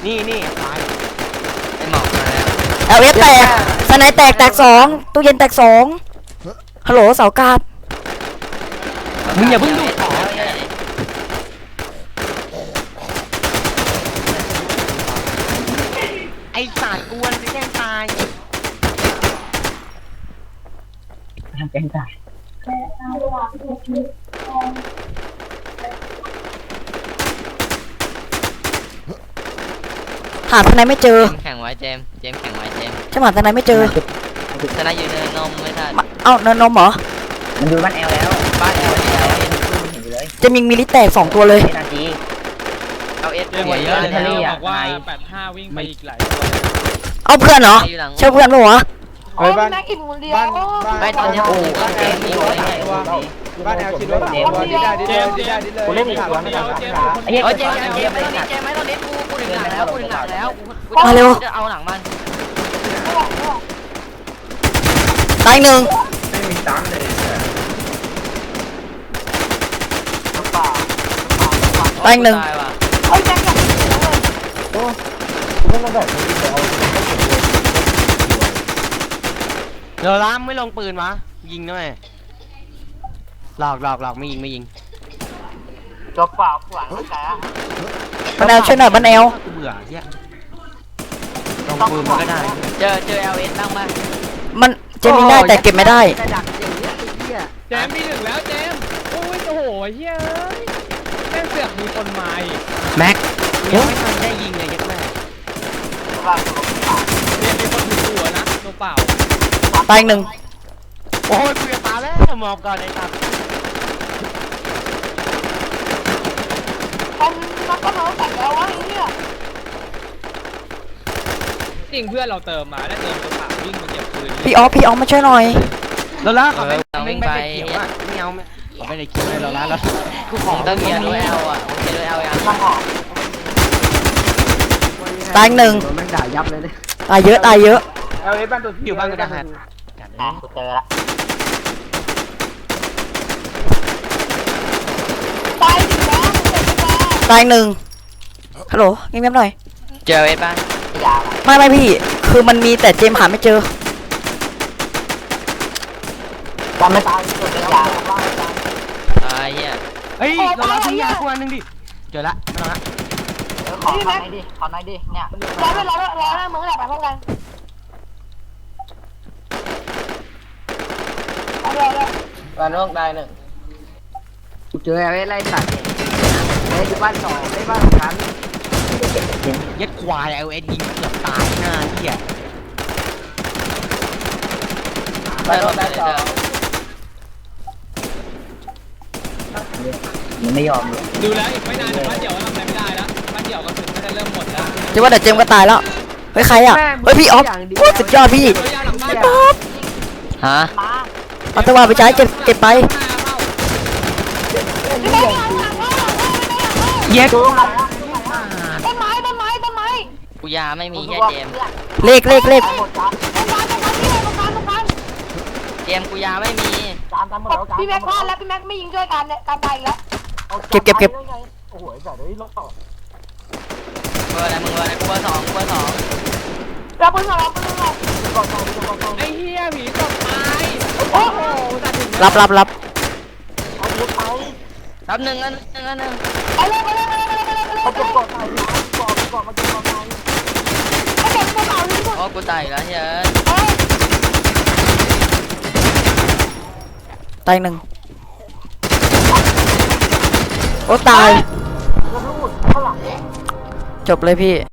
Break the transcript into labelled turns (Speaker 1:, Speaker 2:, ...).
Speaker 1: นี่ตาย
Speaker 2: ไอ้หมอกมาแล้ว
Speaker 3: LF แตกสไนแตกสองตู้เย็นแตกสองฮัลโหลเสากาด
Speaker 1: มึงอย่าเพิ่งดูของไอ้สัตว์กวนจะแกล้งตายแกล้งตาย
Speaker 3: หาสไนไม่เจอ
Speaker 2: แข่งไว้เจมแข่งไว้เจม
Speaker 3: ใช่ไหมสไนไม่เจอ
Speaker 2: ชนะอยู่เนินนมไม่ทัน
Speaker 3: เอ้าเนินนมเหรอ
Speaker 4: มันดูบ้านแอลแล้วบ้านแอลเนี่ยเห็นอยู่เลย
Speaker 3: จะมีมิลิแตกสองตัวเลย
Speaker 4: นาที
Speaker 2: เอาเอส
Speaker 5: เจม
Speaker 2: หัวเยอะเลย
Speaker 4: ทะเล
Speaker 2: นะ
Speaker 4: อะ
Speaker 5: บอกว่า85วิ่งไปอีกหลายตัว
Speaker 3: เอาเพื่อนเหรอ
Speaker 2: อยู่หลัง
Speaker 3: ใช่เพื่อนปะวะ
Speaker 6: เฮ้ยบ้าน
Speaker 7: นักกินคนเดียว
Speaker 2: ไปตอนนี้ผมก็เกมนี้ไว้
Speaker 6: บ้านแอลคิดว่าดีได้ดีเลยดีได้ดีเลย
Speaker 5: กูเล่นอีกตัวนึงเจม
Speaker 4: ไอ้เหี้ย
Speaker 2: โอ้ยเจ
Speaker 4: เจ็บ
Speaker 2: มไม่ต้องเน้นกูถึงหลังแล้วกูถึงหลังแล้วจะเอาหลังมัน
Speaker 3: ตายหนึ่งตายหนึ่ง
Speaker 7: เฮ้ยแจ็คอยากกินเลย
Speaker 1: เดี๋ยวล้ามไม่ลงปืนวะยิงด้วยหลอกไม่ยิง
Speaker 4: ตัวเปล่าขวางแก
Speaker 3: บันแอลช่วยหน่อยบันแอล
Speaker 1: กูเบื่อเหี้ยลงปืนมันก็ได้
Speaker 2: เจอ LS บ้างมั้ย
Speaker 3: มันเจมิงได้แต่เก็บไม่ได้
Speaker 1: แต่ดักอย่างเงี้ยไอ้เหี้ย
Speaker 5: เจมมีหนึ่งแล้วเจมโอ้ยโอ้โหเฮ้ยแม่งเสือกมีคนมาอีก
Speaker 1: แม็กยังไม่ทันได้ยิงเลยยักแม่
Speaker 5: เจมมีคนถือหัวนะตัวเปล่า
Speaker 3: ตายหนึ่ง
Speaker 1: โอ้ยกูจะตายแล้วหมอบก่อนไอ้ตับ
Speaker 7: มันก็น้องแต่งแล้ววะไอ้เนี่ย
Speaker 5: จริงเพื่อนเราเติมมาแล้วเติมตัวเปล่าวิ่งมาเก็บปืน
Speaker 3: พี่ออฟมาช่วยหน่อย
Speaker 1: แล้วล่ะเขาไม่ได้เขียวอ่ะไม่เอาเขาไม่ได้เขียวเลยแล้วล่ะแล้วกูข
Speaker 2: ผ
Speaker 1: อ
Speaker 2: มต้องเกียร์ด้วย L อ่ะผมเกียร์ด้วย L ยัง
Speaker 3: ตายหนึ่ง
Speaker 1: แม่งด่ายับเลยเนี่ย
Speaker 3: ตายเยอะ
Speaker 6: เอลเอบ้านตัว
Speaker 1: อยู่บ้านกูจะหัด
Speaker 4: อ่ะกูเจอละ
Speaker 7: ตายถึงแล้ว
Speaker 3: ตายหนึ่งฮัลโหลเงียบๆหน่อย
Speaker 2: เจอ LS ป่ะ
Speaker 4: ยาว
Speaker 3: ไม่พี่ คือมันมีแต่เจมหาไม่เจอ
Speaker 4: จำไม่ตายตัวเป็นยาว
Speaker 2: ตายเหี้ย
Speaker 1: เฮ้ยเราล้าทิ้งยากูอันนึงดิเจอละไม่ต้องละ
Speaker 4: ขอหน่อยดิขอหน่อยดิเนี่ย
Speaker 7: รอด้วยมึงแหละไปพร้อมกันเอาเลย
Speaker 4: บ้านนอกได้หนึ่งกูเจออะไรสัตว์ไอ้อยู่บ้านสองไอ้บ้านสาม
Speaker 1: ยัดควายเอาเอ็ดยิงเกือบตายหน้าเหี้ย
Speaker 4: บ้านนอกได้สองมันไม่ยอมเลย
Speaker 5: ดูแล้วอีกไม่นานเดี๋ยวบ้านเดี่ยวทำอะไรไม่ได้แล้วบ้านเดี่ยวก็ถึงจะเริ่มหมดแล้ว
Speaker 3: เจว่าแต่เจมก็ตายแล้ว เฮ้ยใครอ่ะ เฮ้ยพี่ออฟโอ้สุดยอดพี่
Speaker 5: ตัวยาวหลังบ้าน
Speaker 3: ออฟ
Speaker 2: ฮะ
Speaker 3: เอาตัวไปใช้เก็บไป
Speaker 1: เย็ด
Speaker 7: ต้นไม้
Speaker 2: กูยาไม่มีแค่เจม
Speaker 3: เลข
Speaker 7: ต้นไม้ที่ไหนตรงกลาง
Speaker 2: เจมกูยาไม่มี
Speaker 7: พี่แม็กพลาดแล้วพี่แม็กไม่ยิงช่วยกันเนี่ยการตายอีกแล้ว
Speaker 3: เก็บ
Speaker 4: โอ้โหแต่เดี๋ยวลบต่อ
Speaker 2: เบอร์อะไรมึงเบอร์อะไรกูเบอร์สอง
Speaker 7: เราปืนเราปืนเรา
Speaker 5: ไอ้เหี้ยผีตกตาย
Speaker 7: โอ้โห
Speaker 5: ตัดถึง
Speaker 3: รับ
Speaker 2: รับหนึ่งอันหนึ่ง
Speaker 7: ไปเลยเขาเก็บกดใส่เขาเก็บกระเป๋าที่สุด
Speaker 2: โอ้กูตายแล้วเฮ้ย
Speaker 3: ตายหนึ่งโอ้ตาย จบเลยพี่